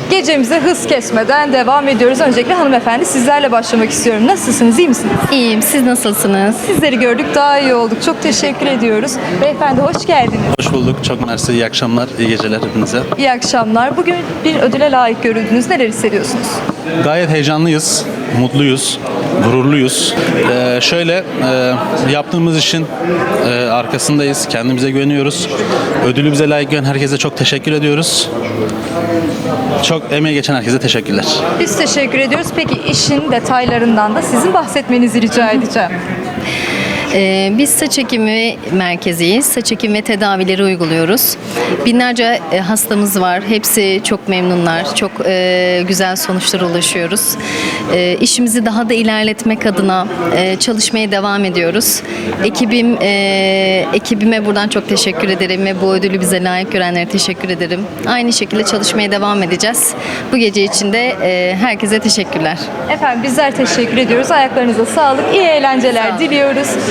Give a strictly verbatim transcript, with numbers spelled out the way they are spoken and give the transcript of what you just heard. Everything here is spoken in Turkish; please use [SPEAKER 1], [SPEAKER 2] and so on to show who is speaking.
[SPEAKER 1] Gecemize hız kesmeden devam ediyoruz. Öncelikle hanımefendi sizlerle başlamak istiyorum. Nasılsınız, iyi misiniz?
[SPEAKER 2] İyiyim, siz nasılsınız?
[SPEAKER 1] Sizleri gördük, daha iyi olduk. Çok teşekkür ediyoruz. Beyefendi hoş geldiniz.
[SPEAKER 3] Hoş bulduk. Çok mersi. İyi akşamlar, iyi geceler hepinize.
[SPEAKER 1] İyi akşamlar. Bugün bir ödüle layık görüldünüz. Neler hissediyorsunuz?
[SPEAKER 3] Gayet heyecanlıyız, mutluyuz, gururluyuz. Ee, şöyle, e, yaptığımız işin e, arkasındayız. Kendimize güveniyoruz. Ödülü bize layık gören herkese çok teşekkür ediyoruz. Çok emeği geçen herkese teşekkürler.
[SPEAKER 1] Biz teşekkür ediyoruz. Peki işin detaylarından da sizin bahsetmenizi rica edeceğim.
[SPEAKER 2] Ee, biz saç ekimi merkeziyiz. Saç ekim ve tedavileri uyguluyoruz. Binlerce e, hastamız var. Hepsi çok memnunlar. Çok e, güzel sonuçlara ulaşıyoruz. E, işimizi daha da ilerletmek adına e, çalışmaya devam ediyoruz. Ekibim, e, ekibime buradan çok teşekkür ederim ve bu ödülü bize layık görenlere teşekkür ederim. Aynı şekilde çalışmaya devam edeceğiz. Bu gece için de e, herkese teşekkürler.
[SPEAKER 1] Efendim bizler teşekkür ediyoruz. Ayaklarınıza sağlık. İyi eğlenceler diliyoruz.